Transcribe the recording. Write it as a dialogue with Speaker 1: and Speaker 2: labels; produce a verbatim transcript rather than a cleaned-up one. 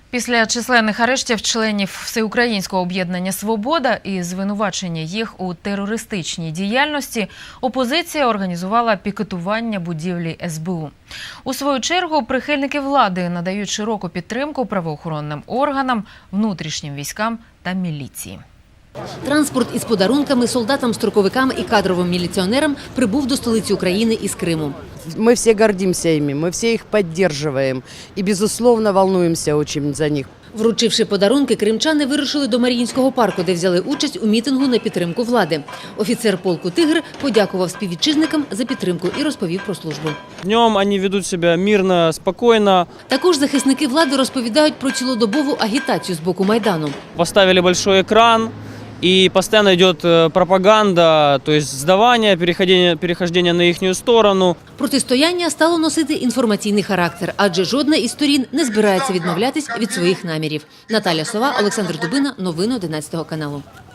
Speaker 1: Після численних арештів членів Всеукраїнського об'єднання «Свобода» і звинувачення їх у терористичній діяльності, опозиція організувала пікетування будівлі ес бе у. У свою чергу, прихильники влади надають широку підтримку правоохоронним органам, внутрішнім військам та міліції.
Speaker 2: Транспорт із подарунками солдатам-строковикам і кадровим міліціонерам прибув до столиці України із Криму.
Speaker 3: Мы все гордимся ими, мы все их поддерживаем и, безусловно, волнуемся очень за них.
Speaker 2: Вручивши подарунки, кримчани вирушили до Маріїнського парку, де взяли участь у мітингу на підтримку влади. Офіцер полку «Тигр» подякував співвітчизникам за підтримку і розповів про службу.
Speaker 4: Днем вони ведуть себе мирно, спокійно.
Speaker 2: Також захисники влади розповідають про цілодобову агітацію з боку Майдану.
Speaker 4: Поставили большой екран. И постоянно идет пропаганда, то есть сдавание, переходение, перехождение на їхню сторону.
Speaker 2: Протистояння стало носити інформаційний характер, адже жодна із сторін не збирається відмовлятись від своїх намірів. Наталя Сова, Олександр Дубина. Новини одинадцятого каналу.